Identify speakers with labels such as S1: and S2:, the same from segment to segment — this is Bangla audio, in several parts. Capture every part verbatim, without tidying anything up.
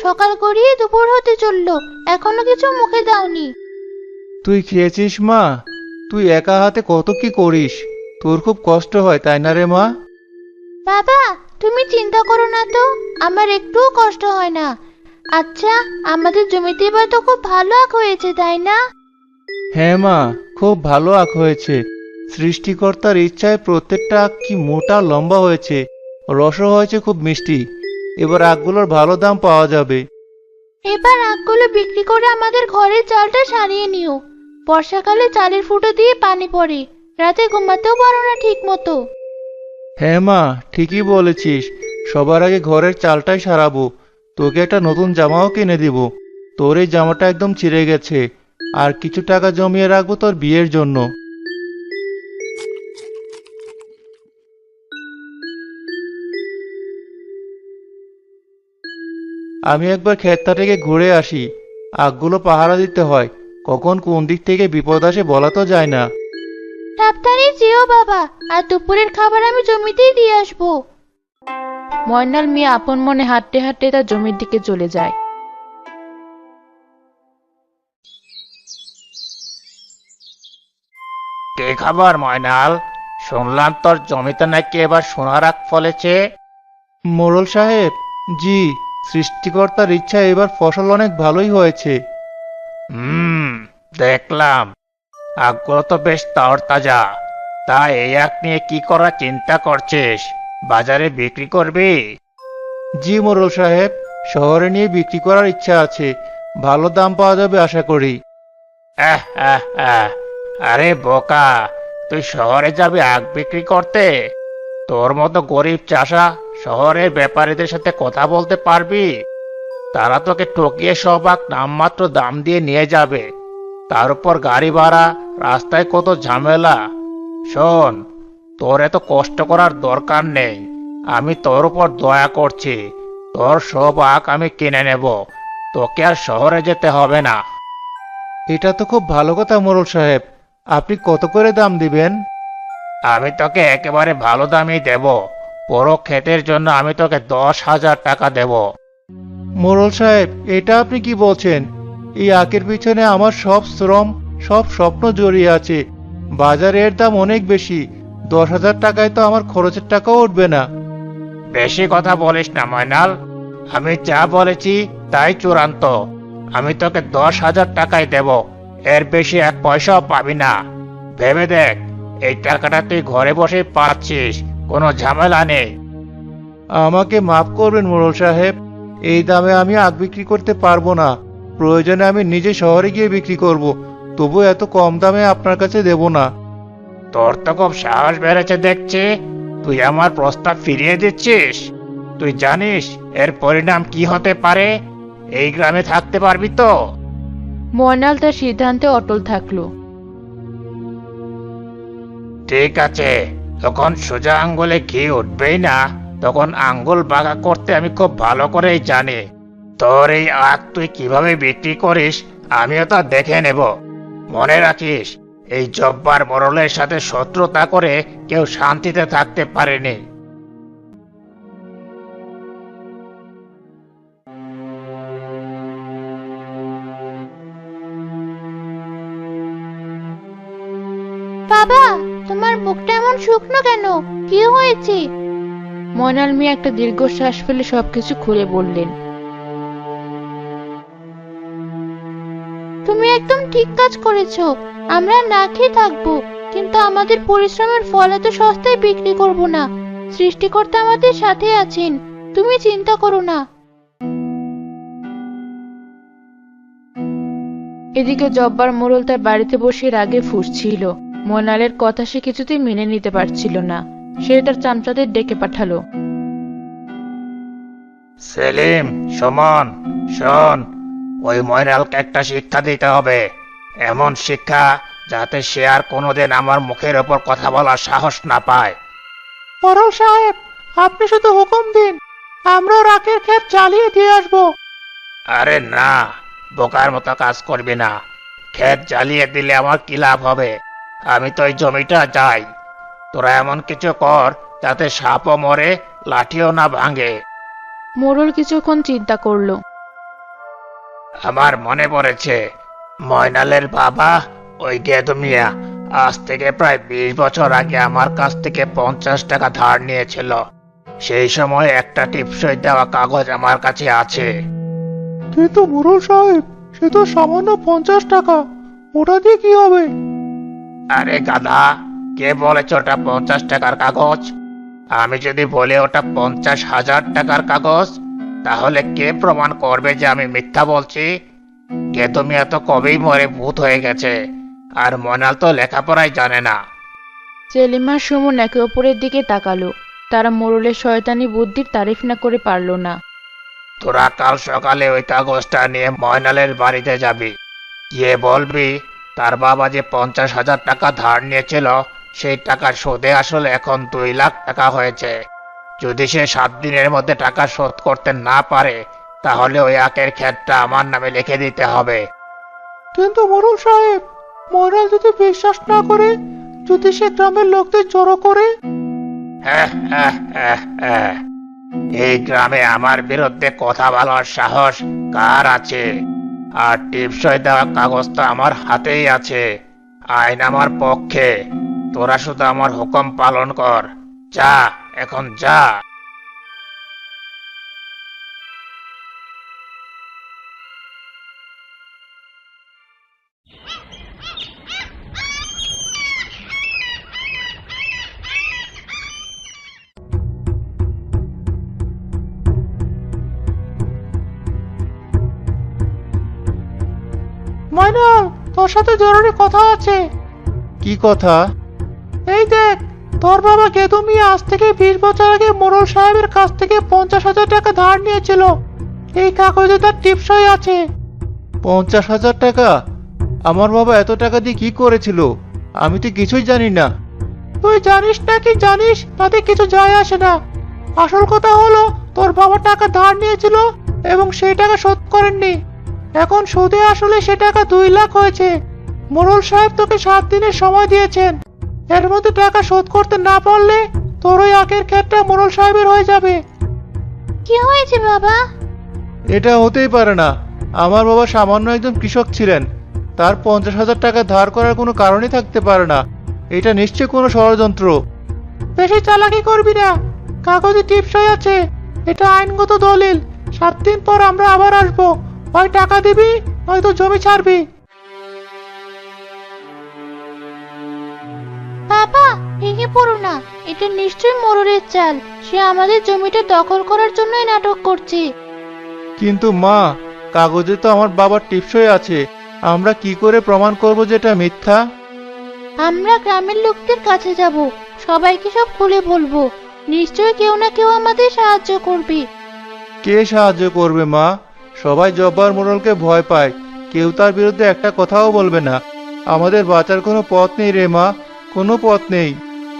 S1: সকাল গড়িয়ে দুপুর হতে চললো, এখনো কিছু মুখে দাওনি।
S2: তুই খেয়েছিস মা? তুই একা হাতে কত কি করিস, তোর খুব কষ্ট হয় তাই না রে মা?
S1: বাবা, তুমি চিন্তা করো না তো, আমার একটুও কষ্ট হয় না। আচ্ছা, আমাদের জমিতে এবার তো খুব ভালো আখ হয়েছে, তাই না?
S2: হ্যাঁ মা, খুব ভালো আখ হয়েছে। সৃষ্টিকর্তার ইচ্ছায় প্রত্যেকটা আখ কি মোটা লম্বা হয়েছে, রসও হয়েছে খুব মিষ্টি। এবার আখগুলোর ভালো দাম পাওয়া যাবে।
S1: এবার আখগুলো বিক্রি করে আমাদের ঘরের চালটা সারিয়ে নিও। বর্ষাকালে চালের ফুটো দিয়ে পানি পড়ে, রাতে ঘুমাতেও পারো না ঠিক মতো।
S2: হ্যাঁ মা, ঠিকই বলেছিস। সবার আগে ঘরের চালটাই সারাবো। তোকে একটা নতুন জামাও কিনে দিব। তোর এই জামাটা একদম ছিঁড়ে গেছে। আর কিছু টাকা জমিয়ে রাখবো তোর বিয়ের জন্য। আমি একবার ক্ষেতটা থেকে ঘুরে আসি। আখগুলো পাহারা দিতে হয়, কখন কোন দিক থেকে বিপদ আসে বলা তো যায় না।
S1: সাবধানে যেও বাবা, আর দুপুরের খাবার আমি জমিতেই দিয়ে আসবো।
S3: ময়নাল মিয়া আপন মনে হাঁটতে হাঁটতে তার জমির দিকে চলে যায়।
S4: কে খবর ময়নাল? শুনলাম তোর জমিতে নাকি এবার সোনার আখ ফলেছে।
S2: মোড়ল সাহেব, জি, সৃষ্টিকর্তার ইচ্ছা এবার ফসল অনেক ভালোই হয়েছে।
S4: হুম, দেখলাম। আখগুলো তো বেশ তরতাজা। তা এই আখ নিয়ে কি করার চিন্তা করছিস? বাজারে বিক্রি করবি?
S2: জি মোড়ল সাহেব, শহরে নিয়ে বিক্রি করার ইচ্ছা আছে। ভালো দাম পাওয়া যাবে আশা করি।
S4: আহ আহ আহ আরে বোকা, তুই শহরে যাবি আখ বিক্রি করতে? তোর মতো গরিব চাষা শহরের ব্যাপারীদের সাথে কথা বলতে পারবি? তারা তোকে ঠকিয়ে সব আখ নামমাত্র দাম দিয়ে নিয়ে যাবে। তার উপর গাড়ি ভাড়া, রাস্তায় কত ঝামেলা। শোন, তোর এত কষ্ট করার দরকার নেই। আমি তোর উপর দয়া করছি। তোর সব আখ আমি কিনে নেব। তোকে আর শহরে যেতে হবে না।
S2: এটা তো খুব ভালো কথা মোড়ল সাহেব। আপনি কত করে দাম দিবেন?
S4: আমি তোকে একেবারে ভালো দামই দেব। পুরো ক্ষেতের জন্য আমি তোকে দশ হাজার টাকা দেব।
S2: মোড়ল সাহেব, এটা আপনি কি বলছেন? এই আখের পিছনে আমার সব শ্রম, সব স্বপ্ন জড়িয়ে আছে। বাজারে এর দাম অনেক বেশি। দশ হাজার টাকায় তো আমার খরচের টাকাও উঠবে না।
S4: বেশি কথা বলিস না ময়নাল। আমি যা বলেছি তাই চূড়ান্ত। আমি তোকে দশ হাজার টাকাই দেব। এর বেশি এক পয়সাও পাবি না। ভেবে দেখ, এই টাকাটা তুই ঘরে বসে পাচ্ছিস, কোনো ঝামেলা নেই।
S2: আমাকে মাফ করবেন মোড়ল সাহেব, এই দামে আমি আখ বিক্রি করতে পারবো না। প্রয়োজনে আমি নিজে শহরে গিয়ে বিক্রি করব, তবু এত কম দামে আপনার কাছে দেব না।
S4: তোর তো খুব সাহস বেড়েছে দেখছি। তুই আমার প্রস্তাব ফিরিয়ে দিচ্ছিস? তুই জানিস এর পরিণাম কি হতে পারে? এই গ্রামে থাকতে পারবি তো?
S3: ময়নাল তার সিদ্ধান্তে অটল থাকলো।
S4: ঠিক আছে, তখন সোজা আঙ্গুলে ঘি উঠবেই না, তখন আঙ্গুল বাঁকা করতে আমি খুব ভালো করেই জানি। তোর এই আখ তুই কিভাবে বিক্রি করিস আমিও তা দেখে নেব। মনে রাখিস, এই জব্বার মোড়লের সাথে শত্রুতা করে কেউ শান্তিতে থাকতে পারেনি।
S1: বাবা, তোমার মুখটা এমন শুকনো কেন? কি হয়েছে?
S3: ময়নাল মিয়া একটা দীর্ঘশ্বাস ফেলে সবকিছু খুলে বললেন।
S1: তুমি একদম ঠিক কাজ করেছো। আমরা না খেয়ে থাকবো, কিন্তু আমাদের পরিশ্রমের ফল এত সস্তায় বিক্রি করব না। সৃষ্টিকর্তা আমাদের সাথে আছেন, তুমি চিন্তা করো না।
S3: এদিকে জব্বার মোড়ল তার বাড়িতে বসে রাগে ফুঁসছিল। ময়নালের কথা সে কিছুতেই মেনে নিতে পারছিল না। সে তার চামচাদের ডেকে পাঠালো।
S4: সেলিম, সুমন, শোন, ওই ময়নালকে একটা শিক্ষা দিতে হবে। এমন শিক্ষা যাতে সে আর কোনোদিন আমার মুখের ওপর কথা বলার সাহস না পায়।
S2: মোড়ল সাহেব, আপনি শুধু হুকুম দিন, আমরা রাখের ক্ষেত চালিয়ে দিয়ে আসবো।
S4: আরে না, বোকার মতো কাজ করবি না। ক্ষেত জ্বালিয়ে দিলে আমার কি লাভ হবে? আমি তো ওই জমিটা চাই। তোরা এমন কিছু কর যাতে সাপও মরে, লাঠিও না ভাঙে।
S3: মোড়ল কিছুক্ষণ চিন্তা করলো।
S4: আমার মনে পড়েছে, ময়নালের বাবা ওই গেদু মিয়া আজ থেকে প্রায় বিশ বছর আগে আমার কাছ থেকে পঞ্চাশ টাকা ধার নিয়েছিল। সেই সময় একটা টিপসই দেওয়া কাগজ আমার কাছে আছে।
S2: কিন্তু মোড়ল সাহেব, সে তো সামান্য পঞ্চাশ টাকা, ওটা দিয়ে কি হবে?
S4: আরে গাধা, কে বলেছে ওটা পঞ্চাশ টাকার কাগজ? আমি যদি বলি ওটা পঞ্চাশ হাজার টাকার কাগজ, তাহলে কে প্রমাণ করবে যে আমি মিথ্যা বলছি? গেদু মিয়া তো কবেই মরে ভূত হয়ে গেছে, আর ময়নাল তো লেখাপড়াই জানে না।
S3: সেলিম আর সুমন একে অপরের দিকে তাকালো। তারা মোড়লের শয়তানি বুদ্ধির তারিফ না করে পারল না।
S4: তোরা কাল সকালে ওই কাগজটা নিয়ে ময়নালের বাড়িতে যাবি, গিয়ে বলবি তার বাবা যে পঞ্চাশ হাজার টাকা ধার নিয়েছিল সেই টাকার সুদে আসলে এখন দুই লাখ টাকা হয়েছে। যদি সে সাত দিনের মধ্যে টাকা শোধ করতে না পারে, তাহলে ওই আখের ক্ষেতটা আমার নামে লিখে দিতে হবে।
S2: কিন্তু মোড়ল সাহেব, ময়নাল যদি বিশ্বাস না করে, যদি সে গ্রামের লোকদের জড়ো করে?
S4: হ্যাঁ, হ্যাঁ, হ্যাঁ, হ্যাঁ। এই গ্রামে আমার বিরুদ্ধে কথা বলার সাহস কার আছে? আর টিপসই দেওয়া কাগজ তো আমার হাতেই আছে। আইন আমার পক্ষে। তোরা শুধু আমার হুকুম পালন কর। যা, এখন যা।
S2: ময়নাল, তোর সাথে জরুরি কথা আছে। কি কথা? এই দেখ, তোর বাবা গেদু মিয়া আজ থেকে বিশ বছর আগে মোড়ল সাহেবের কাছ থেকে পঞ্চাশ হাজার টাকা ধার নিয়েছিল। এই কাগজে তার টিপসই আছে। পঞ্চাশ হাজার টাকা? আমার বাবা এত টাকা দিয়ে কি করেছিল? আমি তো কিছুই জানি না। তুই জানিস না কি জানিস, তাতে কিছু যায় আসে না। আসল কথা হলো, তোর বাবা টাকা ধার নিয়েছিল এবং সেই টাকা শোধ করেননি। এখন সুদে আসলে সে টাকা দুই লাখ হয়েছে। মোড়ল সাহেব তোকে সাত দিনের সময় দিয়েছেন। এর মধ্যে টাকা শোধ করতে না পারলে তোর ওই আখের ক্ষেতটা মোড়ল সাহেবের হয়ে যাবে।
S1: কি হয়েছে বাবা?
S2: এটা হতেই পারে না। আমার বাবা সামান্য একজন কৃষক ছিলেন, তার পঞ্চাশ হাজার টাকা ধার করার কোনো কারণই থাকতে পারে না। এটা নিশ্চয়ই কোনো ষড়যন্ত্র। বেশি চালাকি করবি না, কাগজে টিপসই আছে। এটা আইনগত দলিল। সাত দিন পর আমরা আবার আসবো। হয় টাকা দিবি, নয়তো জমি ছাড়বি।
S1: বাবা, ভেঙে পড়ো না। এটা নিশ্চয়ই মোড়লের চাল। সে আমাদের জমিটা দখল করার জন্যই নাটক করছে।
S2: কিন্তু মা, কাগজে তো আমার বাবার টিপসই আছে। আমরা কি করে প্রমাণ করব যে এটা মিথ্যা?
S1: আমরা গ্রামের লোকদের কাছে যাব, সবাইকে সব খুলে বলবো। নিশ্চয়ই কেউ না কেউ আমাদের সাহায্য করবে।
S2: কে সাহায্য করবে মা? সবাই জব্বার মোড়লকে ভয় পায়, কেউ তার বিরুদ্ধে একটা কথাও বলবে না। আমাদের বাঁচার কোনো পথ নেই রে মা, কোনো পথ নেই।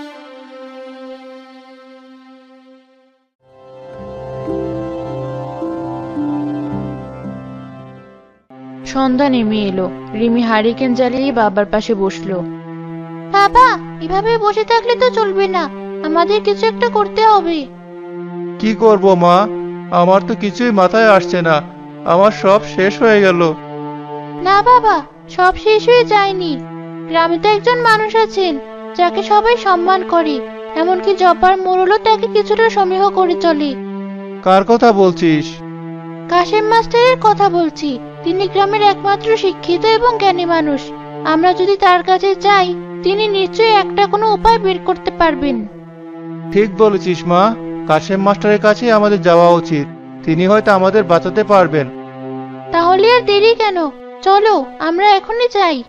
S3: সন্ধ্যা নেমে এলো। রিমি হারিকেন জ্বালিয়ে বাবার পাশে বসলো।
S1: বাবা, এভাবে বসে থাকলে তো চলবে না। আমাদের কিছু একটা করতে হবে।
S2: কি করব মা? আমার তো কিছুই মাথায় আসছে না। আমার সব শেষ হয়ে গেল।
S1: না বাবা, সব শেষ হয়ে যায়নি। গ্রামে তো একজন মানুষ আছেন যাকে সবাই সম্মান করে। এমনকি জব্বার মোড়লও তাকে কিছুটা সমীহ করে চলে।
S2: কার কথা বলছিস?
S1: কাশেম মাস্টারের কথা বলছি। তিনি গ্রামের একমাত্র শিক্ষিত এবং জ্ঞানী মানুষ। আমরা যদি তার কাছে যাই, তিনি নিশ্চয়ই একটা কোনো উপায় বের করতে পারবেন।
S2: ঠিক বলেছিস মা, কাশেম মাস্টারের কাছে আমাদের যাওয়া উচিত। তিনি হয়তো আমাদের বাঁচাতে পারবেন।
S1: তাহলে আর দেরি কেন? চলো, আমরা এখনই যাই।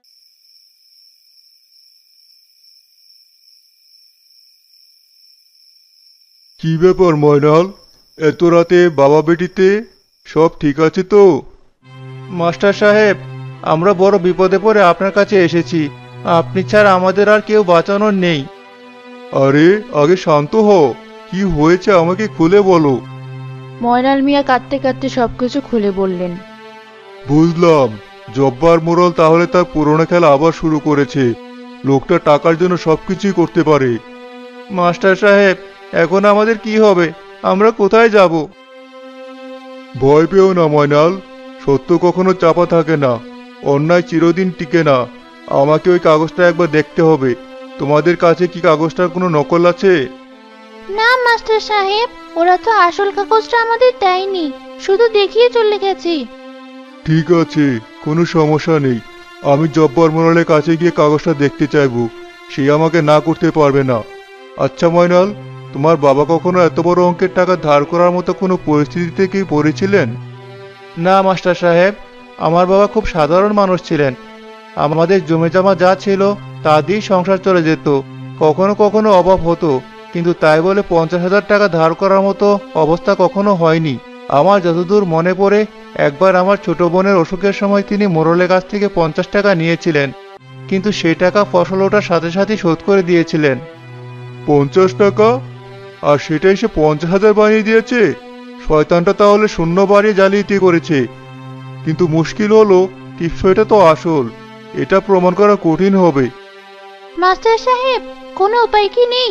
S2: কি ব্যাপার ময়নাল, এত রাতে বাবা বেটিতে? সব ঠিক আছে তো? মাস্টার সাহেব, আমরা বড় বিপদে পড়ে আপনার কাছে এসেছি। আপনি ছাড়া আমাদের আর কেউ বাঁচানোর নেই। আরে আগে শান্ত হও, কি হয়েছে আমাকে খুলে বলো।
S3: ময়নাল মিয়া কাঁদতে কাঁদতে সবকিছু খুলে বললেন।
S2: বুঝলাম, জব্বার মোড়ল তাহলে তার পুরনো খেলা আবার শুরু করেছে। লোকটা টাকার জন্য সবকিছুই করতে পারে। মাস্টার সাহেব, এখন আমাদের কি হবে? আমরা কোথায় যাব? ভয় পেও না ময়নাল, সত্য কখনো চাপা থাকে না, অন্যায় চিরদিন টিকে না। আমাকে ওই কাগজটা একবার দেখতে হবে। তোমাদের কাছে কি কাগজটার কোনো নকল আছে?
S1: না মাস্টার সাহেব, ওরা তো আসল কাগজটা আমাদের দেয়নি, শুধু দেখিয়ে চলে গেছে।
S2: ঠিক আছে, কোনো সমস্যা নেই। আমি জব্বার মোড়ালের কাছে গিয়ে কাগজটা দেখতে চাইবো, সে আমাকে না করতে পারবে না। আচ্ছা ময়নাল, তোমার বাবা কখনো এত বড় অঙ্কের টাকা ধার করার মতো কোনো পরিস্থিতিতে কি পড়েছিলেন? না মাস্টার সাহেব, আমার বাবা খুব সাধারণ মানুষ ছিলেন। আমাদের জমি জমা যা ছিল তা দিয়েই সংসার চলে যেত। কখনো কখনো অভাব হতো, কিন্তু তাই বলে পঞ্চাশ হাজার টাকা ধার করার মতো অবস্থা কখনো হয়নি। আমার যতদূর মনে পড়ে, একবার আমার ছোট বোনের অসুখের সময় তিনি মোড়লের কাছ থেকে পঞ্চাশ টাকা নিয়েছিলেন, কিন্তু সেই টাকা ফসল ওঠার সাথে সাথে শোধ করে দিয়েছিলেন। পঞ্চাশ টাকা? আর সেটাই সে পঞ্চাশ হাজার বানিয়ে দিয়েছে? শয়তানটা তাহলে শূন্য বাড়িয়ে জালিয়াতি করেছে। কিন্তু মুশকিল হলো, টিপসইটা তো আসল, এটা প্রমাণ করা কঠিন হবে।
S1: মাস্টার সাহেব, কোনো উপায় কি নেই?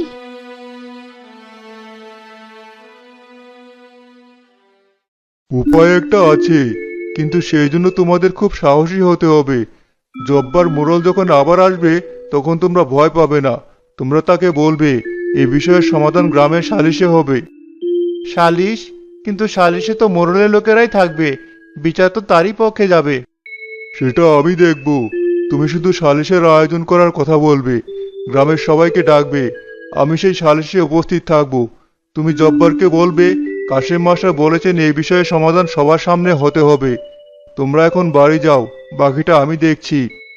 S2: উপায় একটা আছে, কিন্তু সেই জন্য তোমাদের খুব সাহসী হতে হবে। জব্বার মোড়ল যখন আবার আসবে, তখন তোমরা ভয় পাবে না। তোমরা তাকে বলবে এ বিষয়ের সমাধান গ্রামের সালিশে হবে। সালিশ? কিন্তু সালিশে তো মোড়লের লোকেরাই থাকবে, বিচার তো তারই পক্ষে যাবে। সেটা আমি দেখব। তুমি শুধু সালিশের আয়োজন করার কথা বলবে, গ্রামের সবাইকে ডাকবে। আমি সেই সালিশে উপস্থিত থাকব। তুমি জব্বারকে বলবে কাশেম মাস্টার বলেছেন এই বিষয়ে সমাধান সবার সামনে হতে হবে। তোমরা এখন বাড়ি যাও, বাকিটা আমি দেখছি।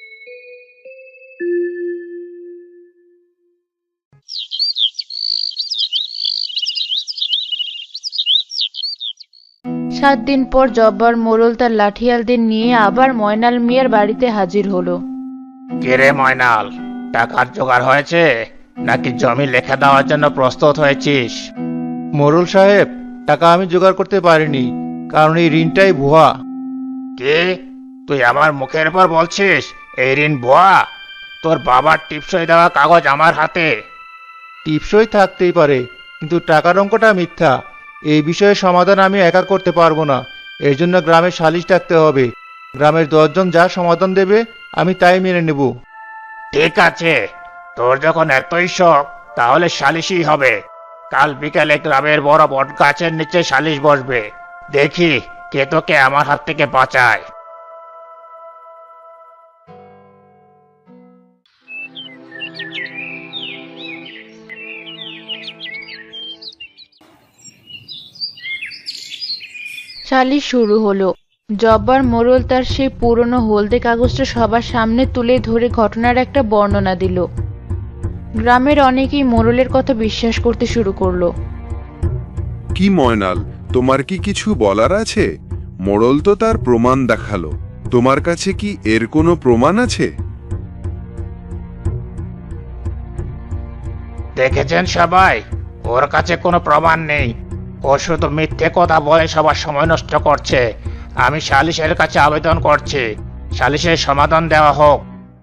S3: সাত দিন পর জব্বার মোড়ল তার লাঠিয়ালদের নিয়ে আবার ময়নাল মিয়ার বাড়িতে হাজির হলো।
S4: কিরে ময়নাল, টাকার জোগাড় হয়েছে নাকি জমি লেখা দেওয়ার জন্য প্রস্তুত হয়েছিস?
S2: মোড়ল সাহেব, টাকা আমি জোগাড় করতে পারিনি, কারণ এই ঋণটাই ভুয়া।
S4: কি? তুই আমার মুখের উপর বলছিস এই ঋণ ভুয়া? তোর বাবার টিপসই দেওয়া কাগজ আমার হাতে।
S2: টিপসই থাকতেই পারে, কিন্তু টাকার অঙ্কটা মিথ্যা। এই বিষয়ে সমাধান আমি একা করতে পারবো না, এর জন্য গ্রামের সালিশ ডাকতে হবে। গ্রামের দশজন যা সমাধান দেবে আমি তাই মেনে নেব।
S4: ঠিক আছে, তোর যখন এতই শখ, তাহলে সালিশই হবে। কাল বিকালে গ্রামের বড় বট গাছের নিচে সালিশ বসবে। দেখি কে তোকে আমার হাত থেকে বাঁচায়।
S3: সালিশ শুরু হলো। জব্বার মোড়ল তার সেই পুরনো হলদে কাগজটা সবার সামনে তুলে ধরে ঘটনার একটা বর্ণনা দিল। গ্রামের অনেকেই মোড়লের কথা বিশ্বাস করতে শুরু করলো।
S5: কি ময়নাল, তোমার কি কিছু বলার আছে? মোড়ল তো তার প্রমাণ দেখালো, তোমার কাছে কি এর কোনো প্রমাণ আছে?
S4: দেখেছেন সবাই, ওর কাছে কোনো প্রমাণ নেই। ও শুধু মিথ্যে কথা বলে সবার সময় নষ্ট করছে। আমি সালিশের কাছে আবেদন করছি, সালিশের সমাধান দেওয়া হোক।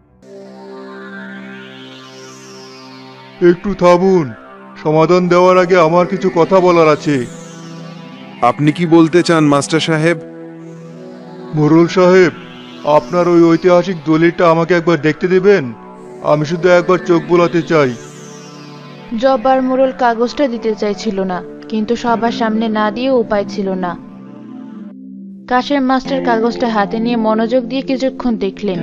S2: একটু থামুন, সমাধান দেওয়ার আগে আমার কিছু কথা বলার আছে।
S5: আপনি কি বলতে চান মাস্টার সাহেব?
S2: মোড়ল সাহেব, আপনার ওই ঐতিহাসিক দলিলটা আমাকে একবার দেখতে দেবেন? আমি শুধু একবার চোখ বোলাতে চাই।
S3: জব্বার মোড়ল কাগজটা দিতে চাইছিল না, কিন্তু সবার সামনে না দিয়ে উপায় ছিল না। কাশেম মাস্টার কাগজটা হাতে নিয়ে মনোযোগ দিয়ে কিছুক্ষণ দেখলেন।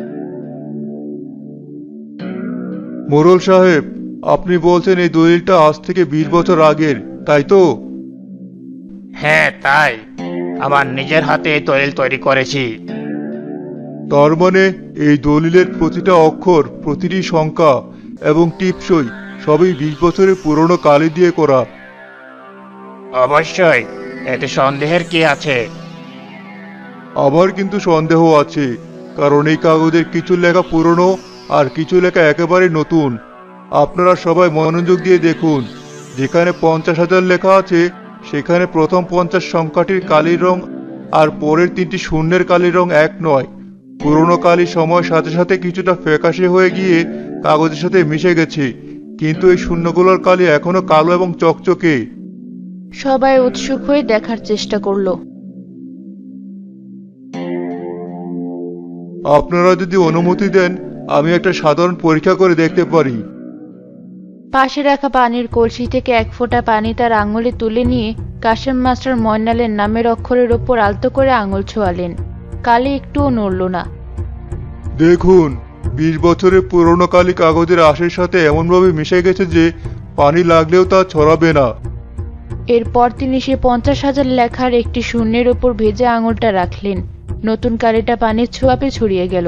S2: মোড়ল সাহেব, আপনি বলছেন এই দলিলটা আজ থেকে বিশ বছর আগের, তাই তো?
S4: হ্যাঁ তাই, আমার নিজের হাতে এই দলিল তৈরি করেছি।
S2: তার মানে এই দলিলের প্রতিটা অক্ষর, প্রতিটি সংখ্যা এবং টিপসই সবই বিশ বছরের পুরনো কালি দিয়ে করা।
S4: অবশ্যই, এতে সন্দেহের কি আছে?
S2: আমার কিন্তু সন্দেহ আছে, কারণ এই কাগজের কিছু লেখা পুরনো আর কিছু লেখা একেবারে নতুন। আপনারা সবাই মনোযোগ দিয়ে দেখুন, যেখানে পঞ্চাশ হাজার লেখা আছে সেখানে প্রথম পঞ্চাশ সংখ্যাটির কালির রং আর পরের তিনটি শূন্যের কালির রং এক নয়। পুরনো কালি সময়ের সাথে সাথে কিছুটা ফ্যাকাশে হয়ে গিয়ে কাগজের সাথে মিশে গেছে, কিন্তু এই শূন্যগুলোর কালি এখনো কালো এবং চকচকে।
S3: সবাই উৎসুক হয়ে দেখার চেষ্টা করলো।
S2: আপনারা যদি অনুমতি দেন আমি একটা সাধারণ পরীক্ষা করে দেখতে পারি।
S3: পাশে রাখা পানির কলসি থেকে এক ফোঁটা পানি তার আঙুলে তুলে নিয়ে কাশেম মাস্টার ময়নালের নামের অক্ষরের ওপর আলতো করে আঙুল ছোঁয়ালেন। কালি একটুও নড়ল না।
S2: দেখুন, বিশ বছরের পুরনো কালি কাগজের আঁশের সাথে এমনভাবে মিশে গেছে যে পানি লাগলেও তা ছড়াবে না।
S3: এরপর তিনি সে পঞ্চাশ হাজার লেখার একটি শূন্যের ওপর ভেজা আঙুলটা রাখলেন। নতুন কালিটা পানির ছোঁয়াপে ছড়িয়ে গেল।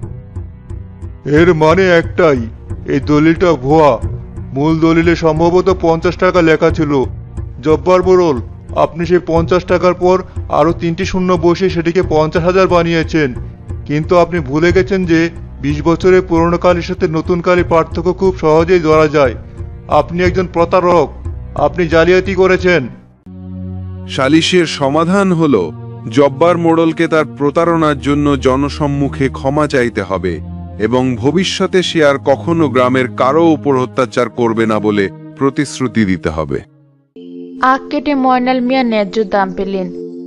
S2: এর মানে একটাই, এই দলিলটা ভুয়া। মূল দলিলে সম্ভবত পঞ্চাশ টাকা লেখা ছিল। জব্বার মোড়ল, আপনি সেই পঞ্চাশ টাকার পর আরো তিনটি শূন্য বসে সেটিকে পঞ্চাশ হাজার বানিয়েছেন। কিন্তু আপনি ভুলে গেছেন যে বিশ বছরের পুরনো কালির সাথে নতুন কালির পার্থক্য খুব সহজেই ধরা যায়। আপনি একজন প্রতারক, আপনি জালিয়াতি করেছেন।
S5: সালিশের সমাধান হলো জব্বার মোড়লকে তার প্রতারণার জন্য জনসম্মুখে ক্ষমা চাইতে হবে এবং ভবিষ্যতে সে আর কখনো গ্রামের কারো উপর অত্যাচার করবে না বলে প্রতিশ্রুতি দিতে হবে।
S3: আখ কেটে ময়নাল মিয়া ন্যায্য দাম পেলেন।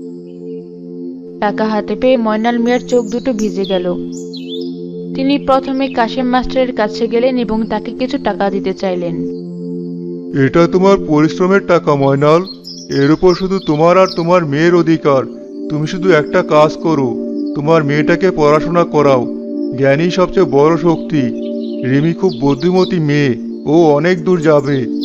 S3: টাকা হাতে পেয়ে ময়নাল মিয়ার চোখ দুটো ভিজে গেল। তিনি প্রথমে কাশেম মাস্টারের কাছে গেলেন এবং তাকে কিছু টাকা দিতে চাইলেন।
S2: এটা তোমার পরিশ্রমের টাকা ময়নাল, এর উপর শুধু তোমার আর তোমার মেয়ের অধিকার। তুমি শুধু একটা কাজ করো, তোমার মেয়েটাকে পড়াশোনা করাও। জ্ঞানই সবচেয়ে বড় শক্তি। রিমি খুব বুদ্ধিমতী মেয়ে, ও অনেক দূর যাবে।